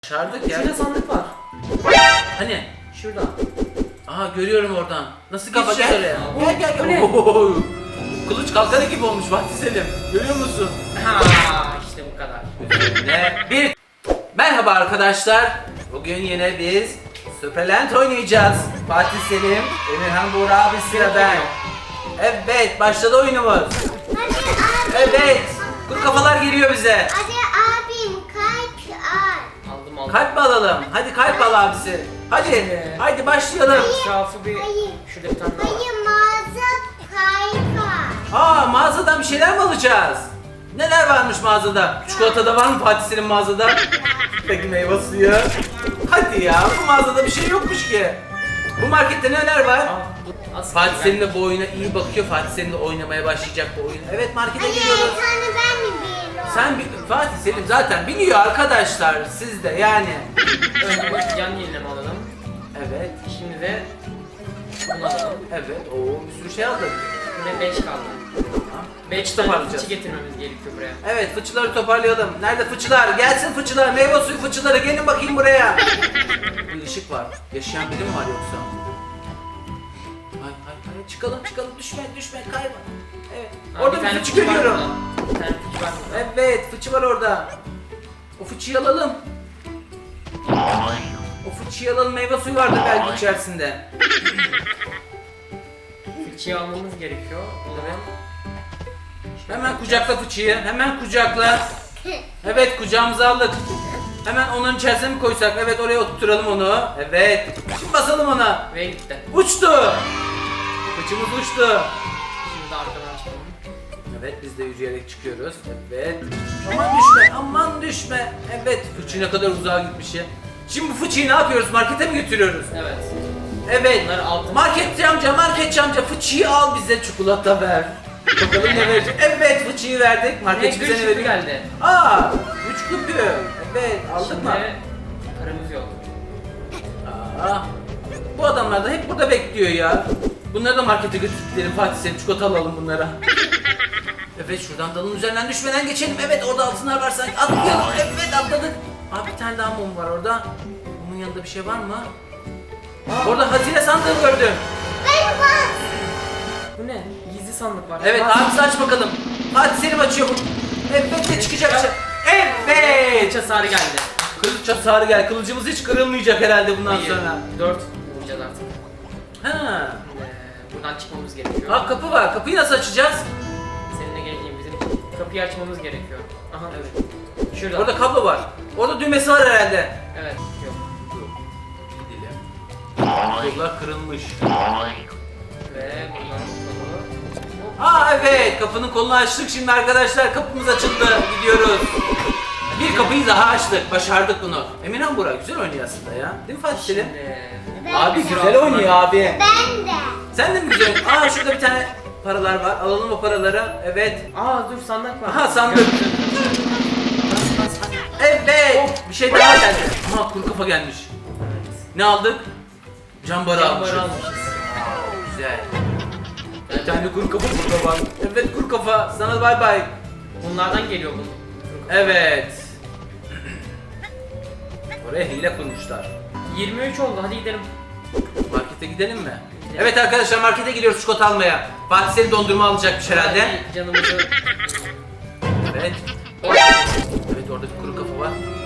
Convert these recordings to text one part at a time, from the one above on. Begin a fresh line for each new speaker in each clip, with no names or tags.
Başardık ya.
Şurada sandık var.
Hani?
Şurada.
Aha görüyorum oradan. Nasıl
Kafa
geçeceğiz
gel.
oraya? Gel
Bu ne?
Ohohoho. Kılıç kalkanı gibi olmuş Fatih Selim. Görüyor musun?
Ha işte bu kadar.
Bir. Merhaba arkadaşlar. Bugün yine biz Superland oynayacağız. Fatih Selim, Emirhan Buğra abi sırada. Evet, başladı oyunumuz.
Hadi abi.
Evet. Kuru kafalar geliyor bize.
Hadi abim kalp al.
Aldım.
Kalp mi alalım? Hadi kalp al abisi. Hadi. Hadi başlayalım.
Etrafı bir...
Hayır.
Şurada bir tane daha var.
Hayır mağaza kalp al.
Aa, mağazadan bir şeyler mi alacağız? Neler varmış mağazada? Çikolata da var mı Fatih Selim mağazada? Peki meyve suyu. Hadi ya, bu mağazada bir şey yokmuş ki. Bu markette neler var?
Aa, bu aslında
Fatih Selim de bu oyuna iyi bakıyor. Fatih Selim de oynamaya başlayacak bu oyunu. Evet, markete
Hayır
geliyoruz.
bir tane ben mi biliyorum?
Sen Fatih Selim zaten biliyor arkadaşlar, siz de yani.
Önce yan yenileme alalım.
Evet,
Şimdi de bunu alalım.
evet. Oo, bir sürü şey aldık.
Yine 5 kaldı.
Tamam.
5 tane
toparlayacağız.
fıçı getirmemiz gerekiyor buraya.
Evet, fıçıları toparlayalım. Nerede fıçılar? Gelsin fıçılar, meyve suyu fıçıları. Gelin bakayım buraya. Bir ışık var. Yaşayan biri mi var yoksa? Hayır. Çıkalım. Düşme, kayma. Evet.
Aa,
Orada
bir
bir
tane
fıçı
fıçı var
görüyorum.
burada. Bir tane fıçı var burada.
Evet, fıçı var orada. O fıçıyı alalım. O fıçıyı alalım, meyve suyu vardı belki içerisinde.
Fıçıyı almamız gerekiyor. O zaman...
Hemen kucakla fıçıyı, hemen kucakla. Evet, kucağımıza aldık. Hemen onun içerisine mi koysak? Evet, oraya oturtalım onu. Evet. Şimdi basalım ona.
Ve gitti.
Uçtu. Fıçımız uçtu.
Şimdi de arkadan çıkalım.
Evet, biz de yürüyerek çıkıyoruz. Evet. Aman düşme. Evet, fıçı ne kadar uzağa gitmiş ya. Şimdi bu fıçıyı ne yapıyoruz? Markete mi götürüyoruz?
Evet.
Evet.
Bunları altın.
Marketçi amca fıçıyı al, bize çikolata ver. Bakalım ne verecek? Evet, fıçıyı verdik. Marketçi bize ne
Gül
veriyor?
geldi.
Aa, 3 küpü. Evet, aldık mı?
Şimdi paramız yok.
Aa, bu adamlar da hep burada bekliyor ya. Bunları da markete götürdüklerim Fatih Selim, çikolata alalım bunlara. Evet, şuradan dalın üzerinden düşmeden geçelim. Evet, orada altınlar var sanki. Atlayalım. Evet, atladık. Abi bir tane daha mum var orada. Mumun yanında bir şey var mı? Orada hazine sandığı gördüm.
Ben bas.
Bu ne? Gizli sandık var.
Evet,
Bas.
abisi aç bakalım. Fatih Selim açıyor bu. Evet, ne çıkacak? Evet.
Kılıç hasarı geldi.
Kılıç hasarı gel. Kılıcımız hiç kırılmayacak herhalde bundan sonra.
4 vuracağız artık.
Ha.
Buradan çıkmamız gerekiyor.
Aa, kapı var. Kapıyı nasıl açacağız?
Seninle geleyim, bizim kapıyı açmamız gerekiyor. Aha evet. Şurada.
Orada kablo var. Orada düğmesi var herhalde.
Evet. Yok.
Gidelim. Kablolar kırılmış.
Ve buradan kolu.
Aa evet, kapının kolunu açtık şimdi arkadaşlar. Kapımız açıldı. Gidiyoruz. Bir kapıyı daha açtık. Başardık bunu. Emirhan Burak güzel oynuyor aslında ya. Değil mi Fatih Selim?
Şimdi...
Abi güzel oynuyor abi.
Ben de.
Sen de mi güzel? Aa, şurada bir tane paralar var. Alalım o paraları. Evet.
Aa dur sandık var.
Aha, sandık. Evet. Bir şey daha geldi. Aha, kuru kafa gelmiş. Ne aldık? Cambarı almışız.
Cambarı almışız.
Güzel. Bir tane kuru kafa burada var. Evet, kuru kafa. Sana bay bay.
Bunlardan geliyor bu.
Evet. Oraya hile kurmuşlar.
23 oldu, hadi gidelim.
Markete gidelim mi? Evet arkadaşlar, markete gidiyoruz çikolata almaya. Fatih Selim dondurma alacakmış herhalde.
Hadi canımızı...
Evet. Evet, orada bir kuru kafa var.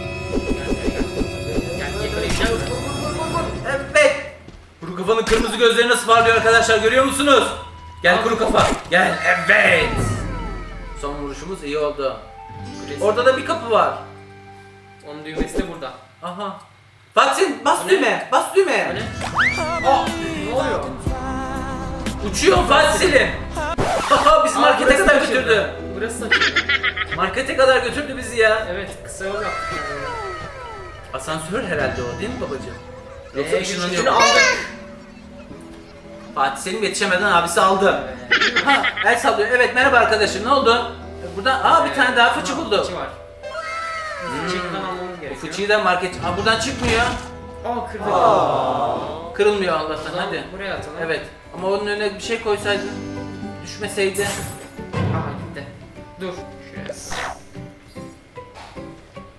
Gel yakalayacağım.
Evet. Kuru kafanın kırmızı gözleri nasıl parlıyor arkadaşlar, görüyor musunuz? Gel kuru kafa. Gel. Evet. Son vuruşumuz iyi oldu. Orada da bir kapı var.
Onun düğmesi de burada.
Aha. Fatih Selim, bas
O ne?
düğme. Bas
O
düğme.
ne? Aa, ne oluyor?
Uçuyor Fatih Selim. Aha, bizi markete
burası
kadar
açıldı.
götürdü.
Burası açıldı.
Markete kadar götürdü bizi ya.
Evet, kısa yol yaptık.
Asansör herhalde o, değil mi babacığım? Yoksa ışınlanıyor.
Şunu aldık.
Fatih Selim yetişemeden abisi aldı. Ha, el sallıyor. Evet, merhaba arkadaşım, ne oldu? Burada bir tane daha fıçı buldu.
Fıçı var. Fıçıyı buradan almamız
Bu
gerekiyor.
fıçıyı da market... buradan çıkmıyor.
Kırdık.
Kırılmıyor Allah'tan,
O zaman
hadi.
buraya atalım.
Evet, ama onun önüne bir şey koysaydın, düşmeseydi.
Aha gitti. Dur. Şuraya.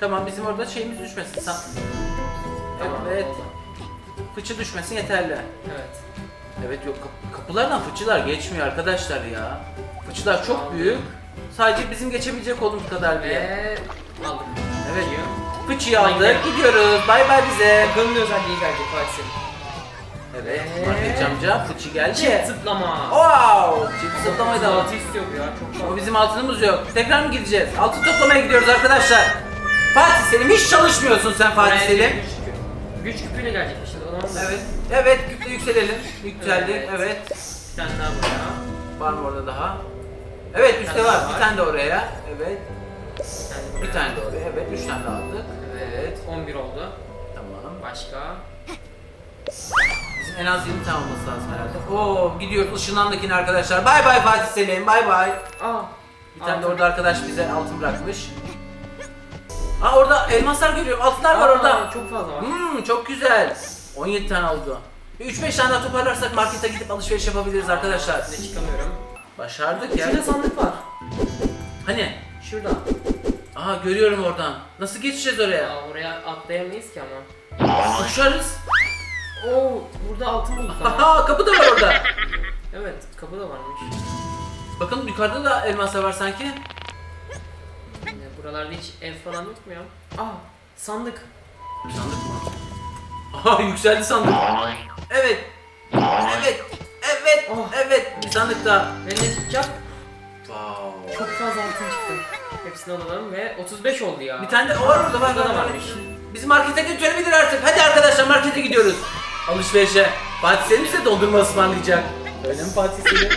Tamam, bizim orada şeyimiz düşmesin.
Tamam,
Evet.
oldu.
Fıçı düşmesin yeterli.
Evet.
Evet, yok kapılardan fıçılar geçmiyor arkadaşlar ya. Fıçılar çok
Aldım.
büyük. Sadece bizim geçebilecek olduğumuz kadar bir yer.
Ve aldık.
Evet.
Fıçıyı.
Fıçıyı aldık,
Gidelim.
gidiyoruz. Bay bay bize.
Bakalım ne özelliği gelecek Fatih Selim.
Evet,
Ve-
market amca fıçı geldi.
Çift zıplama.
Wow! Çift zıplamayı da aldık.
Altı istiyor bu ya çok
Ama
fazla.
bizim altınımız yok. Tekrar mı gideceğiz? Altın toplamaya gidiyoruz arkadaşlar. Fatih Selim, hiç çalışmıyorsun sen Fatih
Buraya
Selim.
Güç küpüyle gelecek işte. O zaman da.
Evet, evet, küple yükselelim. Yükseldik,
Evet.
evet.
Bir tane daha buraya.
Var mı orada daha? Evet, üstte
tane
var.
daha
Bir
var.
tane de oraya. Evet.
Bir
Bir tane de oraya. Evet, 3 tane daha aldık.
Evet. 11 oldu.
Tamam.
Başka.
Bizim en az 20 tane olması lazım herhalde. Oo, gidiyoruz ışınlandakine arkadaşlar. Bay bay Fatih Selim, bay bay.
Aa.
Bir tane de orada arkadaş bize altın bırakmış. Aa, orada elmaslar görüyorum. Altınlar var orada.
Çok fazla var.
Çok güzel. 17 tane oldu. Bir 3-5 tane daha toparlarsak markete gidip alışveriş yapabiliriz arkadaşlar.
Size çıkamıyorum.
Başardık ya.
Şurada sandık var.
Hani?
Şurada.
Aha, görüyorum oradan. Nasıl geçeceğiz oraya?
Aa, oraya atlayamayız ki ama.
Uçarız.
Oo, burada altın bulduk ama.
Aha, kapı da var orada.
Evet, kapı da varmış.
Bakın yukarıda da elmaslar var sanki.
Buralarda hiç ev falan yok mu ya? Aa, sandık.
Sandık mı? Aha, yükseldi sandık. Evet. Evet. Evet.
Oh.
Evet. Bir sandık daha.
Ve ne çıkacak?
Wow.
Çok fazla altın çıktı. Hepsini alalım ve 35 oldu ya.
Bir tane de o var orada, var.
Burada da
var.
varmış.
Bizi markete götürebilir artık. Hadi arkadaşlar, markete gidiyoruz. Alışverişe. Fatih Selim size dondurma ısmarlayacak. Öyle mi Fatih Selim?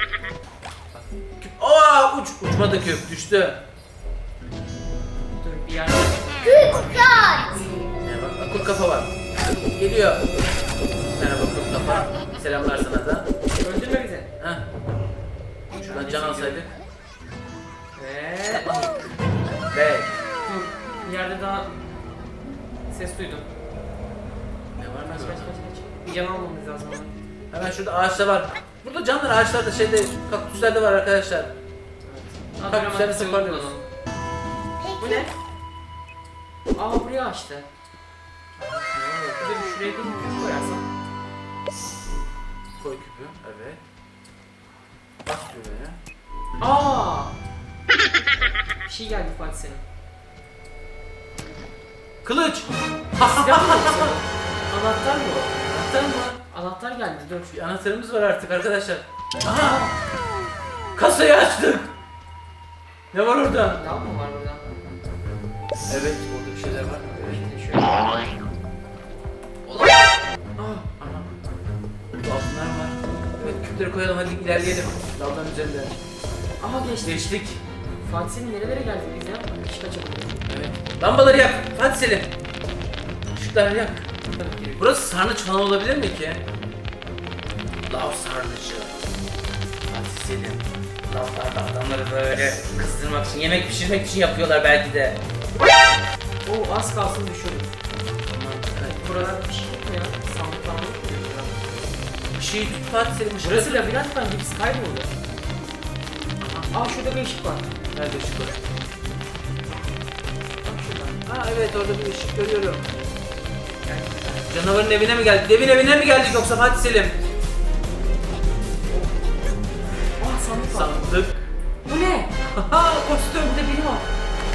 Aa, uçmadı, kök düştü.
Dur bir yerde.
Kutlar.
Ne bak, kurt kafa var. Geliyor. Merhaba kurt kafa. Selamlar sana da.
Öldürme bizi.
Heh. Şuradan can alsaydık.
Ve...
Ve
Dur, bir yerde daha ses duydum.
ne var
Kaç
mı?
kaç kaç kaç. Bir can almamız lazım ama.
Hemen şurada ağaçta var. Burada canlar ağaçlarda, şeyde, kaktüslerde var arkadaşlar.
Evet.
Bak, güzel sıkıyoruz.
Bu ne? Aa, buraya açtı. Bir de şuraya bir küp koyarsam.
Koy küpü. Evet. Bak düğmeye.
Aa! Bir şey geldi Fatih senin.
Kılıç.
Silah mı yoksa? Anahtar mı o?
Anahtar mı?
Anahtar geldi dur.
Bir anahtarımız var artık arkadaşlar. Aha! Kasayı açtık. Ne var orada?
Lav mı var burada?
Evet, orada bir şeyler var. Evet.
Şimdi şöyle.
Olamaz. Aha. Burada altınlar var. Evet, küpleri koyalım, hadi ilerleyelim. Dalların üzerinde.
Aha geçti.
Geçtik.
Fatih senin nerelere geldik biz ya? Hiç kaçamadık.
Evet. Lambaları yak. Hadi Selim. Işıkları yak.
Tabii ki.
Burası sarnıç falan olabilir mi ki? Lav sarnıcı. Fatih Selim. Lavlarda adamları böyle kızdırmak için, yemek pişirmek için yapıyorlar belki de.
Oo, az kalsın düşürdüm.
Evet.
Burada bir şey yok mu ya? Sandık falan yok mu? burada?
Bir şey tut Fatih Selim. ışığı
Burası
tut.
labirent bence biz kayboldu. Aa, şurada bir ışık var.
Nerede ışık var?
Bak şurada.
Ha evet, orada bir ışık görüyorum.
Gel.
Canavarın evine mi geldik? Devin evine mi geldik yoksa Fatih Selim?
Aa, sandık var.
Sandık.
Bu ne?
Haha, kostüm.
Burada biri var.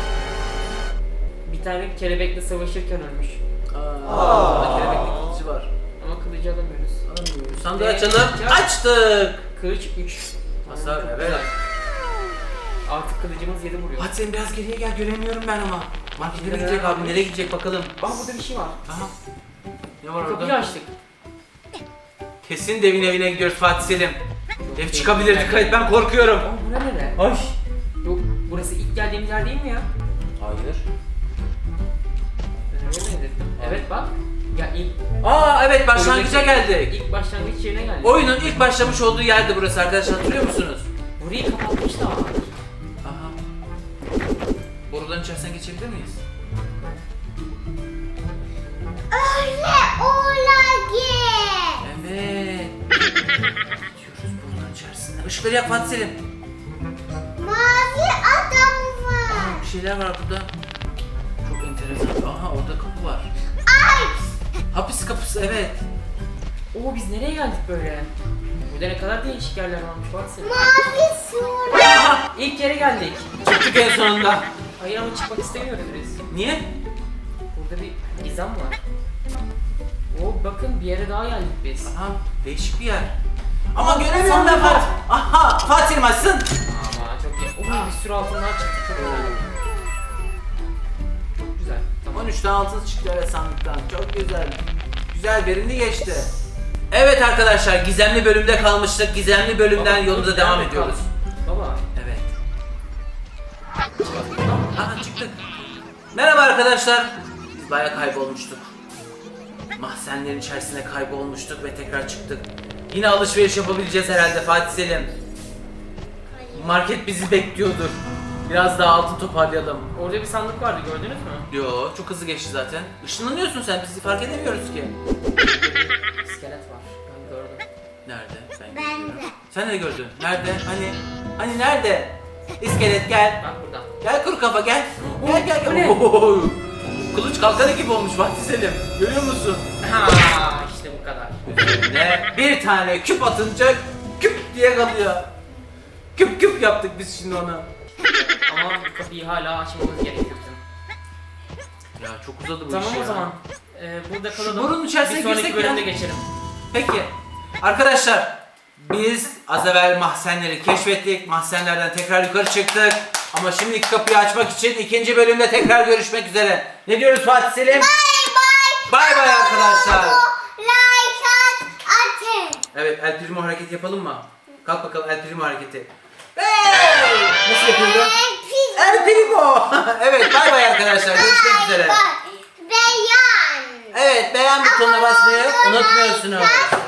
Bir tane kelebekle savaşırken ölmüş.
Orada kelebekli kılıcı var.
Ama kılıcı alamıyoruz.
Alamıyoruz. Sandığı
Ve
açalım.
açacağız.
Açtık.
Kılıç 3.
Hasar, evet.
Artık kılıcımız 7 vuruyor.
Fatih Selim biraz geriye gel, göremiyorum ben ama. Markete mi
Nereye
gidecek abi?
varmış?
Nereye gidecek bakalım.
Aa, burada bir şey var.
Aha. Ne var
Kapıyı
orada?
açtık.
Kesin devin evine gidiyoruz Fatih Selim. Dev çıkabilir, dikkat et, ben korkuyorum.
Aa, bura nere?
Ay.
Yok, burası ilk geldiğimiz yer değil mi ya?
Hayır.
Ben öyle zannettim. Evet bak. Ya ilk
Aa evet, başlangıca geldik.
ilk başlangıç yerine geldik.
Oyunun ilk başlamış olduğu yerdi burası arkadaşlar, hatırlıyor musunuz?
Burayı kapatmışlar.
Aha. Boruların içerisinden geçebilir miyiz?
Öyle olacak.
Evet. Geçiyoruz boruların içerisinden. Işıkları yak Fatih Selim.
Mavi adam var.
Aa, bir şeyler var burada. Çok enteresan. Aha orada kapı var. Hapis kapısı evet.
Oo biz nereye geldik böyle? Burada ne kadar değişik yerler varmış baksana.
Mavi su.
Aha
İlk yere geldik.
çıktık en sonunda.
Hayır ama çıkmak istemiyoruz biz.
Niye?
Burada bir gizem var. Oo bakın bir yere daha geldik biz.
Aha değişik bir yer. Ama göremiyorum ben Fatih. Aha Fatih maçsın.
Ama çok iyi. Oo bir sürü altınlar çıktı çok güzel. Çok güzel. Tamam.
13 tane altın çıktı evet sandıktan. Çok güzel. Güzel verimli geçti. Evet arkadaşlar gizemli bölümde kalmıştık. Gizemli bölümden
Baba,
yolumuza
dur,
devam
nerede
ediyoruz.
kaldın? Baba.
Evet. Aha çıktık. Merhaba arkadaşlar. Biz bayağı kaybolmuştuk. Mahzenlerin içerisine kaybolmuştuk ve tekrar çıktık. Yine alışveriş yapabileceğiz herhalde Fatih Selim. Market bizi bekliyordur. Biraz daha altın toparlayalım.
Orada bir sandık vardı gördünüz mü?
Yo çok hızlı geçti zaten. Işınlanıyorsun sen bizi fark edemiyoruz ki.
İskelet var. Ben gördüm.
Nerede?
Ben
görüyorum.
de.
Sen de gördün. Nerede? Hani nerede? İskelet gel.
Bak burada.
Gel kuru kafa gel. Gel gel
Bu
gel.
ne?
Oo, kılıç kalkanı gibi olmuş Fatih Selim. Görüyor musun?
Ha işte bu kadar.
Üzerine bir tane küp atınca küp diye kalıyor. Küp küp yaptık biz şimdi onu.
Ama bu kapıyı hala açmamız gerekiyor bizim.
Ya çok uzadı bu
Tamam
iş
o
ya.
zaman. Burada kalalım.
burunun içerisine
bir sonraki
girsek
bölümde
ya.
geçelim.
Peki. Arkadaşlar biz az evvel mahzenleri keşfettik. Mahzenlerden tekrar yukarı çıktık. Ama şimdiki kapıyı açmak için ikinci bölümde tekrar görüşmek üzere. Ne diyoruz Fatih Selim? Bay bay arkadaşlar.
Like atın.
Evet El Primo hareketi yapalım mı? Kalk bakalım El Primo hareketi. Hey! Nasıl yapıyordu? El Primo. Evet bay bay arkadaşlar. Görüşmek üzere.
Beyan.
Evet beğen butonuna basmayı unutmuyorsunuz.